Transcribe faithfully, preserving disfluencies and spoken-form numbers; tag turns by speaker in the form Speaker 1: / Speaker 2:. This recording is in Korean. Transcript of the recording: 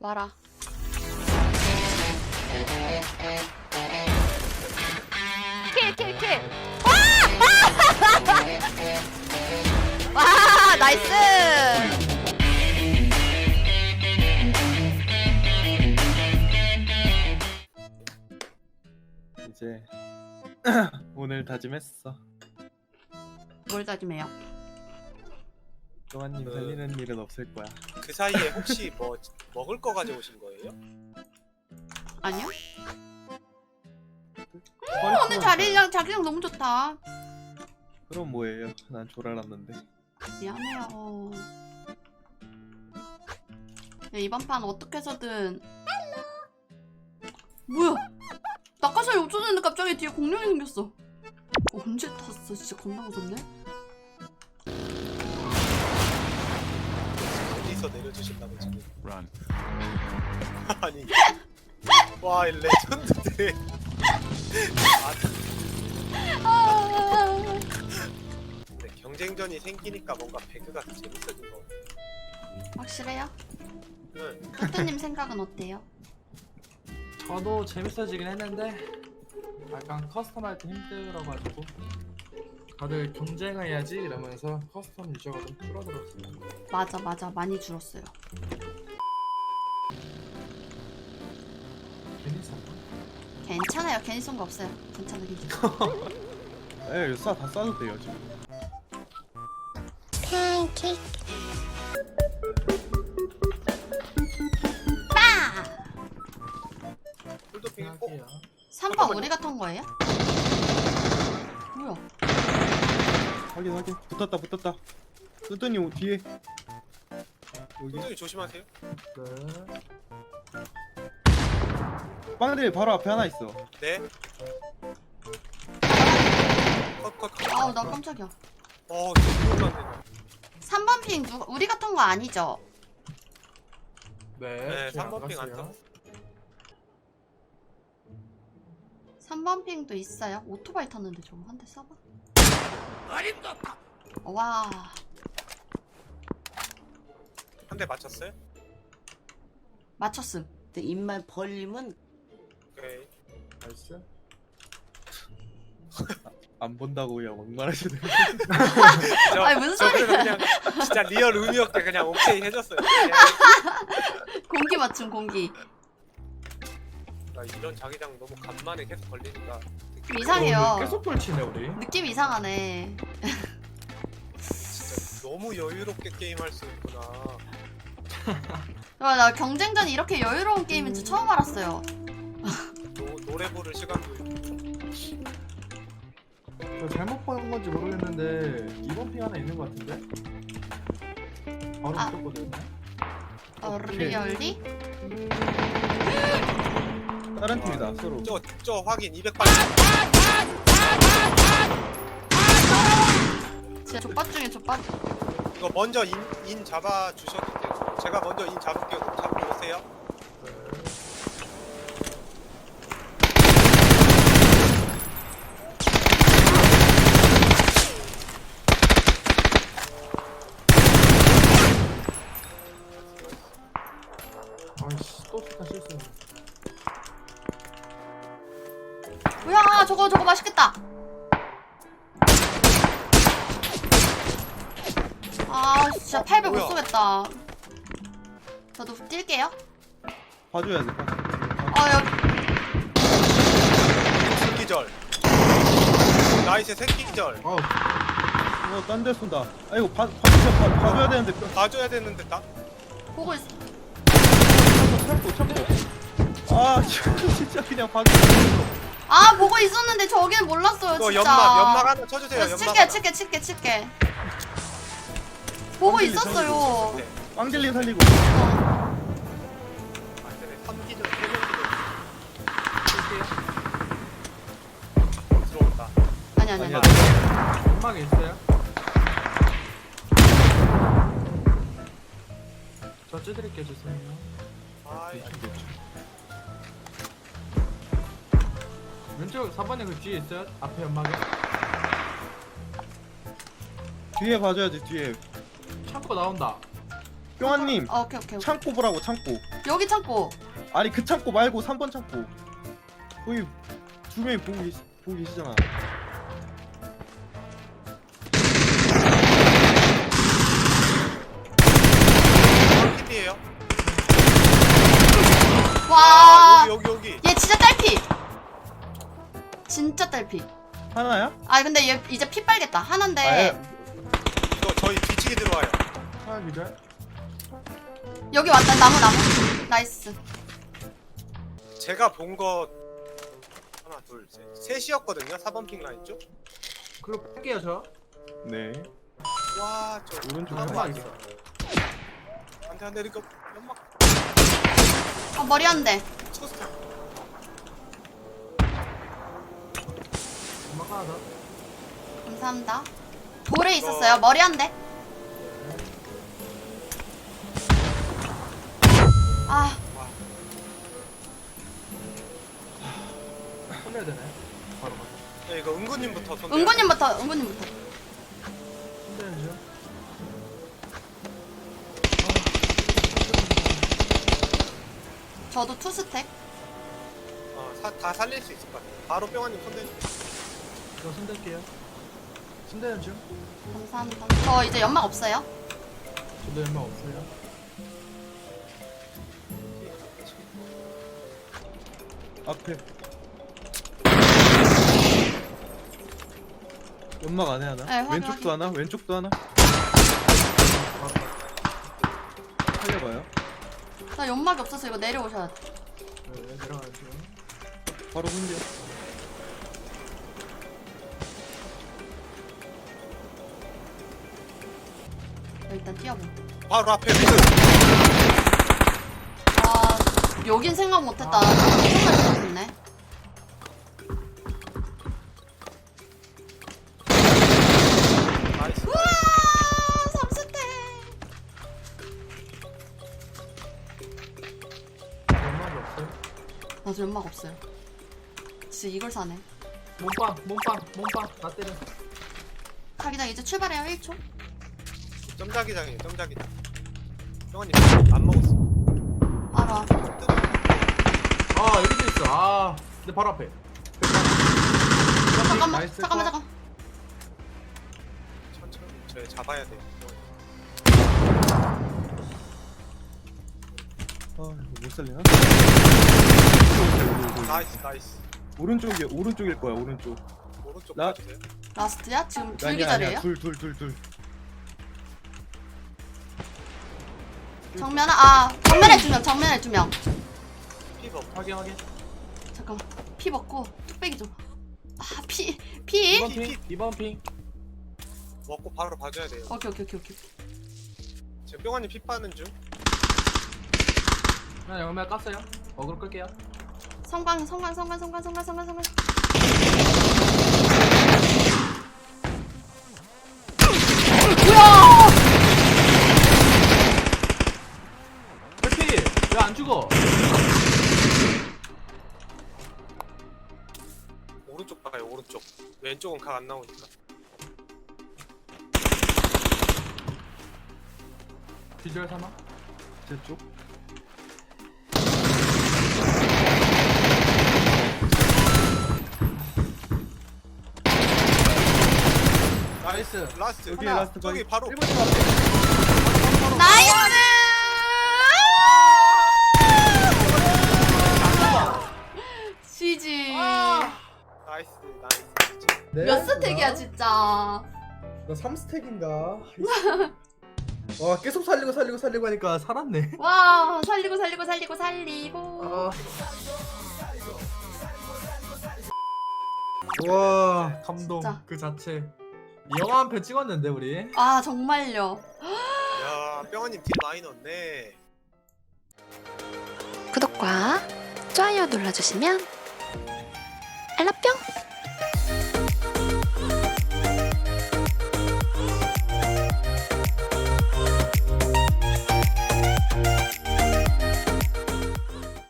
Speaker 1: 봐라. 킬, 킬, 킬. 와! 와, 나이스!
Speaker 2: 이제 오늘 다짐했어.
Speaker 1: 뭘 다짐해요?
Speaker 2: 또한님
Speaker 3: 그-
Speaker 2: 살리는 일은 없을 거야.
Speaker 3: 그 사이에 혹시 뭐 먹을 거 가져오신 거예요?
Speaker 1: 아니요?
Speaker 2: 어,
Speaker 1: 오늘 자리랑 자기랑 너무 좋다.
Speaker 2: 그럼 뭐예요? 난 졸알았는데.
Speaker 1: 미안해요. 야, 이번 판 어떻게 해서든. 뭐야? 낙하산이 없어졌는데 갑자기 뒤에 공룡이 생겼어. 어, 언제 탔어? 진짜 겁나 무섭네.
Speaker 3: 어디서 내려주신다고 지금?
Speaker 4: Run.
Speaker 3: 아니. 와, 이 레전드들. 아,
Speaker 1: 아,
Speaker 3: 근데 경쟁전이 생기니까 뭔가 배그가 더 재밌어진 거 같아.
Speaker 1: 확실해요?
Speaker 3: 응.
Speaker 1: 토트님 생각은 어때요?
Speaker 5: 저도 재밌어지긴 했는데 약간 커스텀할 때 힘들어가지고 다들 경쟁을 해야지 이러면서 커스텀 유저가 좀 줄어들었어요.
Speaker 1: 맞아 맞아 많이 줄었어요.
Speaker 5: 괜히 샀나?
Speaker 1: 괜찮아요. 괜히 쏜 거 없어요. 괜찮아 괜찮아.
Speaker 2: 에, 쏴, 다 쏴도 돼요 지금.
Speaker 1: 빠!
Speaker 3: 꿀도핑 했고.
Speaker 5: 생각해요.
Speaker 1: 삼 번 우리가 탄 거예요? 뭐야?
Speaker 2: 확인 확인. 붙었다 붙었다. 뜨더니 뒤에. 여기
Speaker 3: 굉장히 조심하세요.
Speaker 5: 끝.
Speaker 2: 빵들 바로 앞에 하나 있어.
Speaker 3: 네. 컷, 컷, 컷.
Speaker 1: 아우 나 깜짝이야.
Speaker 3: 어, 이거 죽으면
Speaker 1: 삼 번 핑 누가 우리가 탄 거 아니죠?
Speaker 5: 네,
Speaker 3: 네,
Speaker 5: 제가
Speaker 3: 삼 번 핑안
Speaker 5: 알았어요.
Speaker 1: 삼 번 핑도 있어요. 오토바이 탔는데 저거 한 대 쏴봐. 와.
Speaker 3: 한 대 맞췄어요?
Speaker 1: 맞췄음.
Speaker 6: 근데 입만 벌리면
Speaker 3: 오케이.
Speaker 5: 나이스.
Speaker 2: 안 본다고 그냥 막말하시네.
Speaker 3: 저,
Speaker 1: 아니, 무슨
Speaker 3: 저
Speaker 1: 소리야.
Speaker 3: 그래서 그냥 진짜 리얼 의미 없게 그냥 오케이 해줬어요. 네.
Speaker 1: 공기 맞춤 공기.
Speaker 3: 나 이런 자기장 너무 간만에 계속 걸리니까
Speaker 1: 좀 이상해요.
Speaker 5: 어, 계속 돌치네 우리.
Speaker 1: 느낌 이상하네.
Speaker 3: 진짜 너무 여유롭게 게임할 수 있구나.
Speaker 1: 와, 나 경쟁전 이렇게 여유로운 게임인 줄 처음 알았어요.
Speaker 3: 노, 노래 부를 시간도 있고.
Speaker 5: 저 잘못 본 건지 모르겠는데 이번 핑 하나 있는 것 같은데? 바로
Speaker 1: 아.
Speaker 5: 붙었거든요.
Speaker 1: 어, 리얼리?
Speaker 2: 다른 팀이다 서로.
Speaker 3: 저, 저 확인 이백팔.
Speaker 1: 진짜 족밥 중에 족밥.
Speaker 3: 이거 먼저 인, 인 잡아 주셔도 돼요. 제가 먼저 인 잡을게요. 잡고 오세요.
Speaker 5: 아이씨 또 스타 실수했네.
Speaker 1: 뭐야, 저거 저거 맛있겠다. 아, 진짜
Speaker 3: 어,
Speaker 1: 팔백 못
Speaker 3: 뭐야?
Speaker 1: 쏘겠다. 저도 뛸게요.
Speaker 2: 봐줘야 돼. 봐줘.
Speaker 1: 어, 여기.
Speaker 3: 새끼절. 나이스 새끼절.
Speaker 5: 어우
Speaker 2: 어, 딴 데 쏜다. 아이고, 봐, 봐줘, 봐, 봐줘야 되는데. 뼈-
Speaker 3: 봐줘야 되는데 나.
Speaker 1: 보고 있어.
Speaker 2: 참고, 참고. 아, 진짜 그냥 봐줘.
Speaker 1: 아, 보고 있었는데 저기는 몰랐어요,
Speaker 3: 이거
Speaker 1: 진짜.
Speaker 3: 연막 연막 하나 쳐주세요.
Speaker 1: 그래서
Speaker 3: 연막.
Speaker 1: 칠게,
Speaker 3: 하나.
Speaker 1: 칠게, 칠게, 칠게. 보고
Speaker 2: 완전히
Speaker 1: 있었어요.
Speaker 3: 네.
Speaker 2: 빵젤리 살리고.
Speaker 3: 아, 그래. 삼기절 칠게요. 들어온다.
Speaker 1: 아니, 아니, 아니.
Speaker 2: 아니야.
Speaker 5: 연막에 있어요? 저 찌드릴게 주세요.
Speaker 3: 아이.
Speaker 5: 왼쪽 사 번에 그 뒤에 있어요? 앞에 연막에?
Speaker 2: 뒤에 봐줘야지, 뒤에.
Speaker 5: 창고 나온다.
Speaker 2: 뿅아님,
Speaker 1: 어, 오케이, 오케이. 오케이.
Speaker 2: 창고 보라고, 창고.
Speaker 1: 여기 창고.
Speaker 2: 아니 그 창고 말고 삼 번 창고. 거기 두 명이 보고, 계시, 보고 계시잖아.
Speaker 3: 킬이에요.
Speaker 1: 와.
Speaker 3: 아, 여기 여기 여기.
Speaker 1: 얘 진짜 딸피. 진짜 딸피.
Speaker 2: 하나야?
Speaker 1: 아 근데 얘 이제 피 빨겠다. 하나인데.
Speaker 2: 아, 예.
Speaker 3: 이거 저희 뒤치기 들어와요.
Speaker 5: 하나 기절.
Speaker 1: 여기 왔다. 나무 나무. 나이스.
Speaker 3: 제가 본 거 하나 둘 셋 셋이었거든요. 사 번 핑 라인 쪽.
Speaker 5: 그리고 뺄게요 저.
Speaker 2: 네.
Speaker 3: 와저
Speaker 2: 오른쪽에
Speaker 3: 하나
Speaker 5: 하나
Speaker 3: 있어.
Speaker 5: 있어.
Speaker 3: 안돼 안돼 이거 연막
Speaker 1: 아 머리 한 대.
Speaker 3: 쳤어.
Speaker 5: 연막 하나 더.
Speaker 1: 감사합니다. 돌에 있었어요. 머리 한 대. 아
Speaker 3: 와
Speaker 5: 손해야 되네. 바로 가.
Speaker 3: 야, 이거 은구님부터 손.
Speaker 1: 은구님부터 은구님부터.
Speaker 5: 손대는 중.
Speaker 1: 저도 투 스택.
Speaker 3: 어다 살릴 수 있을 것 같아. 바로 뿅아님 손 대주세요.
Speaker 5: 저 손댈게요. 손대는 중.
Speaker 1: 감사합니다. 저 이제 연막 없어요.
Speaker 5: 저도 연막 없어요.
Speaker 2: 앞에. 연막 안에 하나?
Speaker 1: 네, 확인,
Speaker 2: 왼쪽도 하나? 왼쪽도 하나? 살려봐요.
Speaker 1: 나 연막이 없어서 이거 내려오셔야 돼.
Speaker 5: 네, 내려가는 중.
Speaker 2: 바로 hun겨.
Speaker 1: 일단 뛰어보.
Speaker 3: 바로 앞에 미드.
Speaker 1: 아 여긴 생각 못했다. 정말 좋네.
Speaker 3: 나이스.
Speaker 1: 우와 삼 스택.
Speaker 5: 연막이 없어요.
Speaker 1: 나도 연막 없어요. 진짜 이걸 사네.
Speaker 5: 몸빵, 몸빵, 몸빵. 나 때려.
Speaker 1: 자기장 이제 출발해요. 일 초.
Speaker 3: 점자기장이에요. 점자기장. 뿅아님 안 먹었어.
Speaker 1: 알아.
Speaker 5: 아 여기도 있어. 아, 내 바로 앞에.
Speaker 1: 잠깐만
Speaker 5: 나이스
Speaker 1: 잠깐만
Speaker 5: 컷.
Speaker 1: 잠깐.
Speaker 3: 천천히 저희 잡아야 돼.
Speaker 2: 아 이거 못 살리나?
Speaker 3: 나이스 나이스.
Speaker 2: 오른쪽이 오른쪽일 거야 오른쪽.
Speaker 3: 오른쪽
Speaker 2: 나-
Speaker 3: 봐주세요.
Speaker 1: 라스트야? 지금 둘
Speaker 2: 아니야
Speaker 1: 기절이에요?
Speaker 2: 아니야 둘둘 둘 둘.
Speaker 1: 정면아 아 정면에 두 명. 정면에 두 명.
Speaker 3: 피버.
Speaker 5: 확인 확인.
Speaker 1: 잠깐만. 피 먹고 뚝배기 좀. 아 피 피.
Speaker 5: 이번 핑, 이번 핑.
Speaker 3: 먹고 바로 봐줘야 돼요.
Speaker 1: 오케이 오케이 오케이 오케이.
Speaker 3: 지금 뿅아님 피 빠는 중.
Speaker 5: 그냥 연막 깠어요. 어그로 끌게요.
Speaker 1: 성광 성광 성광 성광 성광 성광 성광. 뭐야?
Speaker 5: 해피 왜 안 죽어?
Speaker 3: 오른쪽 봐요. 오른쪽. 왼쪽은 각 안 나오니까.
Speaker 5: 비주얼 삼아.
Speaker 2: 제 쪽.
Speaker 5: 나이스.
Speaker 3: 라스트.
Speaker 2: 여기
Speaker 3: 하나.
Speaker 2: 라스트
Speaker 3: 저기
Speaker 2: 바위.
Speaker 3: 바로.
Speaker 2: 일번 집 앞에.
Speaker 1: 나이스. 시지.
Speaker 3: 나이스 나이스.
Speaker 1: 몇 스택이야 진짜.
Speaker 5: 나 삼 스택인가? 와 계속 살리고 살리고 살리고 하니까 살았네.
Speaker 1: 와 살리고 살리고 살리고 살리고.
Speaker 5: 아. 와 감동
Speaker 1: 진짜.
Speaker 5: 그 자체. 영화 한 편 찍었는데 우리.
Speaker 1: 아 정말요.
Speaker 3: 야 뿅아님 딜 많이 넣었네.
Speaker 4: 구독과 좋아요 눌러주시면 알람뿅!